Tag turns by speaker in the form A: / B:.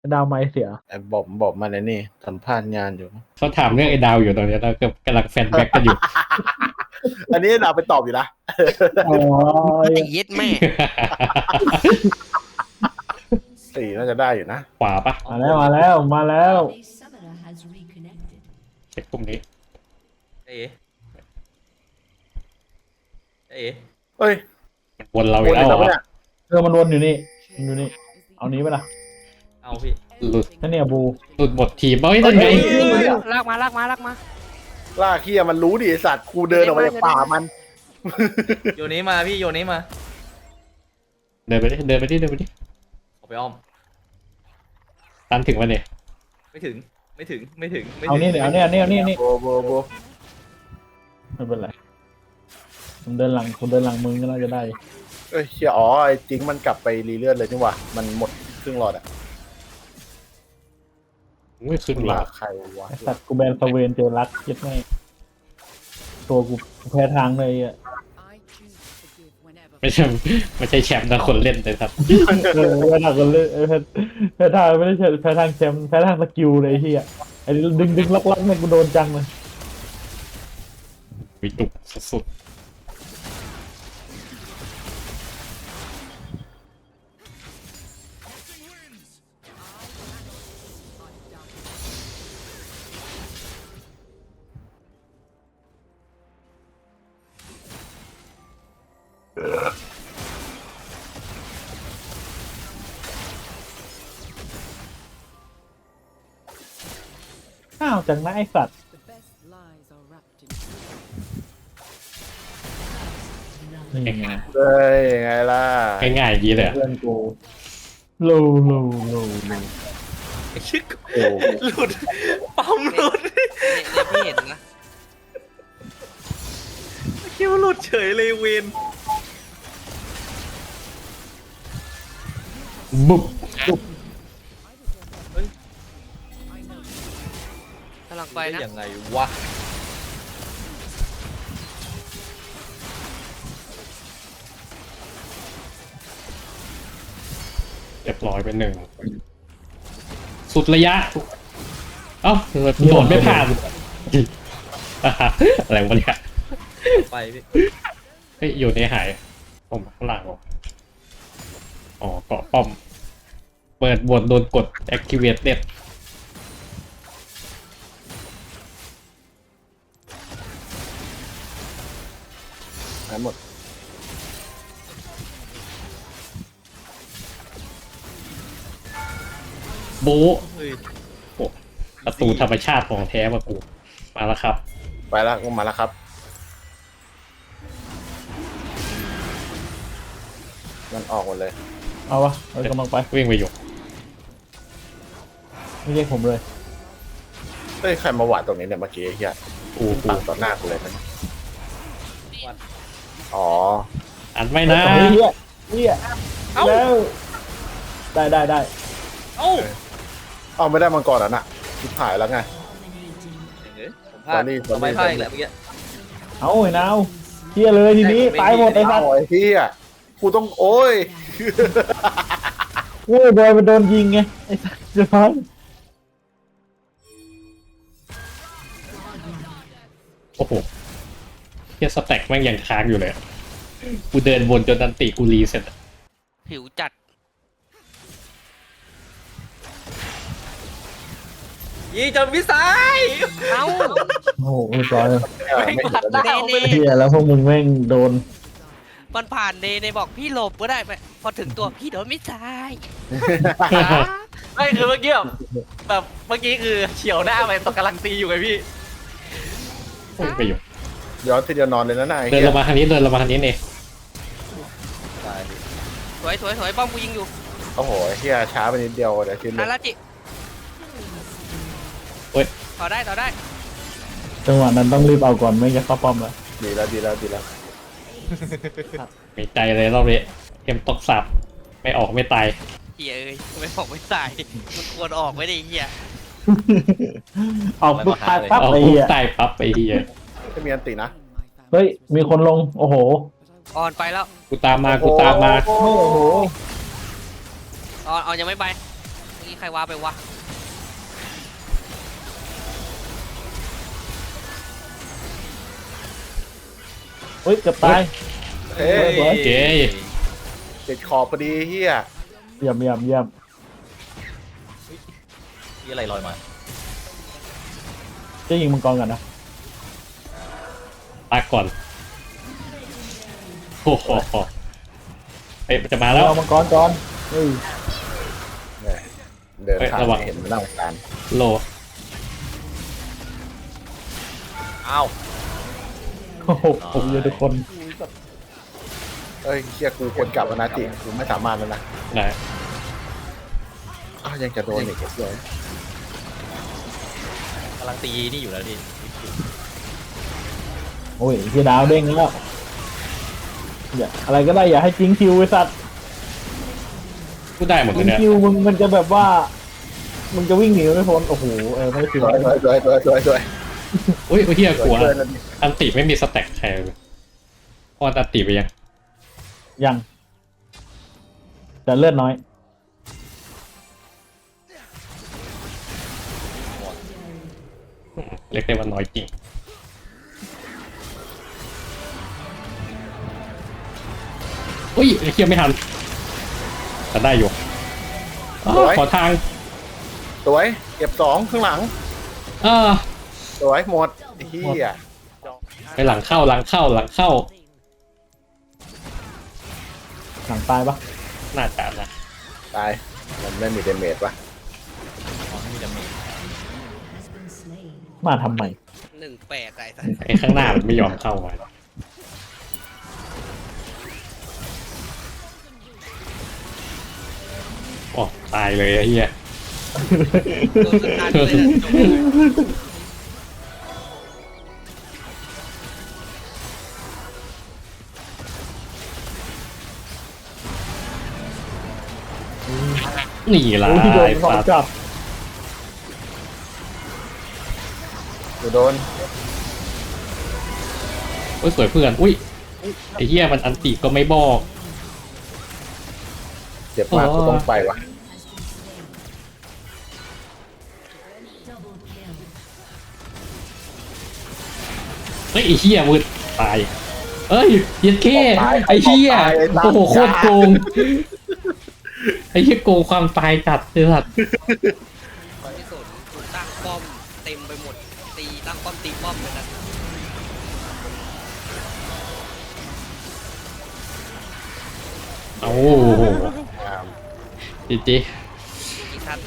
A: ดาวไม้เสีย
B: ไอ้บอกมาเลยนี่สัมภาษณ์งานอยู่
C: เขาถามเรื่องไอ้ดาวอยู่ตอนนี้เรากำลังแฟนแบ็กกันอยู่
B: อันนี้เราไปตอบอยู่นะ
A: อ๋อ
D: ไอ้เย็ดแม่
B: สี่น่าจะได้อยู่นะ
C: ขวาปะ
A: มาแล้วมาแล้วมาแล้ว
E: A summoner has reconnected.
C: เช็คกลุ่มนี้
F: เอ๋เอ๋
B: เฮ้ย
C: มันวนเราอีกแล้วเหรอ
B: วนอีกแล้วปะเนี่ย
A: มันวนอยู่นี่มันอยู่นี่เอานี้ไปละ
F: เอาพี่
C: หลุด
A: นั่นเนี่ยบู
C: หลุดหมดทีมเอ้ยนั่นไง
D: ลากมาลากมาลากมา
B: ล่าเคียมันรู้ดิไอ้สัตว์กูเดินออกมาจากป่ามัน
F: โยนี้มาพี่โยนี้มา
C: เดินไปดิเดินไปดิเดินไปดิ
F: ออกไปอ้อม
C: ตันถึงวันเนี่ย
F: ไม่ถึงไม่ถึงไม่ถึงไม่
A: เอา
F: ถึง
A: นี่เดี๋ยวเอาเนี่ยนี่
B: โบโบ
A: ไม่เป็นไรผมเดินหลังมึงก็น่าจะได้
B: เอ้ยเชียอ๋อไอ้จริงมันกลับไปรีเลือดเลยนี่หว่ามันหมดครึ่งหลอดอะ
C: ไม่ขึ้นหร
B: มา
C: อก
B: ใครวะ
A: ไอสัตว์กูแบนสเวนเจอรักเย็ดแม่ตัวกูแพ้ทางเลยอ่ะ
E: I choose to forgive whenever.
C: ไม่ใช่แชมป์นะคนเล่นเลยครับ
A: แพ้ทางคนเลยแพ้ทางไม่ได้แพ้ทางแชมป์แพ้ทางสกิลเลยไอ้เฮียไอ้ดึงล็อกเนี่ยกูโดนจังเลย
C: วิจุกสุด
A: อ้าวจังนะไอสัตว์
E: The best lies are wrapped in.
A: นี่ไง
B: เฮ้ยไงล่ะ
C: ๆง่ายๆอย่างนี้เลยอะ
A: เพื่อนกูโล
F: ไอ้ชิค
B: โอ้
F: หลุดปั๊มหลุด
D: เนี่ยพี่เห็นนะ
F: คิดว่าหลุดเฉยเลยเวน
C: บุ๊บ
D: กำลังไป
F: ได้
D: นะ
F: ยังไงวะ
C: เรียบร้อยไปหนึ่งสุดระยะเอ้าโดดไม่ผ่าน อะไรวะเนี่ย
F: ไปพี่
C: เฮ้ยอยู่ในหายผมข้างหลังเหรออ๋อเกาะป้อม เปิดบทโดนกด activate เน็ต
B: หายหมด
C: บู
F: เฮ้ย
C: โอ้ประตูธรรมชาติของแท้มากูมาแล้วครับ
B: ไปแล้วก็มาแล้วครับมันออกหมดเลย
A: เอาวะเอากำลังไป
C: วิ่งไปอยู่
A: ไม่ใช่ผมเลย
B: เฮ้ยใครมาหวาดตรงนี้เนี่ยเมื่อกี้ไอ้เฮีย
C: กู
B: ปังต่อหน้ากูเลยมันอ๋อ
C: อันไม่นะ
A: เฮีย
F: เอ้า
A: แล้วได้
F: เอ้า
B: เอาไม่ได้มังกรแล้วน่ะทิพหายแล้วไง
F: เฮ้ยผมพลาด
B: Sorry
F: ทำไมพลาดอีกแล้วเมื่อกี้
A: เอาไอ้นาวเฮียเลยทีนี้ตายหมดไอ้สั
B: เอา
A: ตว์
B: ไอ้เฮียกูต้องโอ้ย
A: โว้ยบอยมันโดนยิงไงไอ้สัตว์จะพัง
C: โอ้โหเฮียสแต็กแม่งยังค้างอยู่เลยอะกูเดินวนจนดันติกูรีเสร็จอะ
D: ผิวจัด
F: ยี่จนวิสัย
D: เอ้า
A: โอ้โหเรียบร้อยเลย
B: ไม่เห็นแล้ว
D: เน
B: เนี่ย
D: เน่
A: เฮียแล้วพวกมึงแม่งโดน
D: มันผ่านเนบอกพี่หลบก็ได้ไปพอถึงตัวพี่โดนไม่ตาย
F: ไม่คือเมื่อกี้แบบเมื่อกี้คือเฉียวหน้าไปตอนกำลังตีอยู่ไงพี่
C: วิ่งไปอยู่
B: ย้อนทีเดียวนอนเลยนะนาย
C: เดินลงมาทางนี้เดินลงมาทางนี้เอง
F: ตายพี่
D: สวยป้อมกูยิงอยู่
B: โอ้โหไอ้เฮียช้าไปนิดเดียวเดี๋ยวชิ้นเล
D: อาย ราจิ
C: เฮ้ย
D: ต่อได้
A: จังหวะนั้นต้องรีบเอาก่อนไม่จะเข้าป้อมแล้ว
B: ดีแล้วดีแล้วดีแล้ว
C: มีใจเลยรอบนี้เข็มตกสับไม่ออกไม่ตาย
D: เฮียเอ้ยไม่ออกไม่ตายมันควรออกไว้ดิเฮีย
A: ออกปุ๊บตายปั๊บ
C: เอา
A: ไอ้
C: ปุ๊
A: เฮี
C: บ
A: ย
C: ตายปั๊บไปเฮีย
B: ไม่มีอันตินะ
A: เฮ้ยมีคนลงโอ้โห
D: ออนไปแล้ว
C: กูตามมากูตามมา
A: โอ้โห
D: ออนยังไม่ไปเมื่อกี้ใครว่าไปวะ
A: เฮ้ยเกือบตาย
B: เอ้ย
A: สวย
C: เจ๊
B: ติดขอบพอดีเฮีย
A: เยี่ยมเยี่ยมเยี่ยม
F: มีอะไรลอยมา
A: จะยิงมังกรกันนะ
C: ตายก่อนโอ้โหเอ้ยมันจะมาแล้ว
A: เอามังกรก่อนเฮ้ย
B: เนี่ยเดินผ่าน
C: ระวัง
B: เห็นมันน่าสงสาร
C: โล
F: อ้าว
A: โอ้โหผมเยอะทุกคน
B: เอ้ยเฮียกูควรกลับแล้วนะจิกูไม่สามารถแล้วนะ
C: ไหน
B: อ้าวยังจะโดนอีกเลย
F: กำลังตีนี่อยู่แล้วพี่
A: โอ้ยที่ดาวเด้งแล้วอย่าอะไรก็ได้อย่าให้จิงคิวไอ้สัตว์
C: พูดได้หมดเล
A: จิ
C: ย
A: ง
C: เนี่ย
A: คิวมันจะแบบว่ามึงจะวิ่งหนีไม่พ้นโอ้โหไม่ได้คิว
B: สวยสวยสวยสวยสวยสวย
C: อุ้ยเฮีย
B: ส
C: กลั
B: ว
C: วย
B: เกินแล้วนี่
C: อันติไม่มีสแต็กใครเลยพออันติไปยัง
A: ยังแต่เลือดน้อย
C: เรียกได้ว่าน้อยจริงอุ้ยเฮียไม่ทันแต่ได้อยู่อ้าวขอทาง
B: สวยเก็บสองข้างหลัง สวยหมดไอ้เฮีย
C: ไปหลังเข้าหลังเข้าหลังเข้า
A: หลังตายปะ
C: น่าจะนะ
B: ตายมันไม่มีเดเมจวะ
F: อ๋อไม่มีดาเมจ
E: has been slain.
A: มาทำไม
D: 18ไอ้สัส
C: ไอ้ข้างหน้ามันไม่ยอมเข้ามาโอ้ตายเลยไอ้เฮีย
D: โดนสตาร์ทเลยนะจบเลย
C: นี่ล่ะ
A: โอ้ยโดน
C: ไอ้
A: ขอ
C: สัตว์
A: จับ
B: กูโดน
C: โอ้ยสวยเพื่อนอุ้ยไอ้เหี้ยมันอันติก็ไม่บอก
B: เจ็บมากกูต้องไปวะ
E: Double kill.
C: เฮ้ยไอ้เหี้ยมืดตายเอ้ยเย็นแค่ไอ้เหี้ยโอ้โหโคตรโกงไอ้เหี้ยโกงความตายจัดเลยสัตว์
D: ที่สุดถูกตั้งป้อมเต็มไปหมดตีตั้งป้อมตีป้อมเลยนะ
C: โอ้โห
B: อ่า
C: จีจี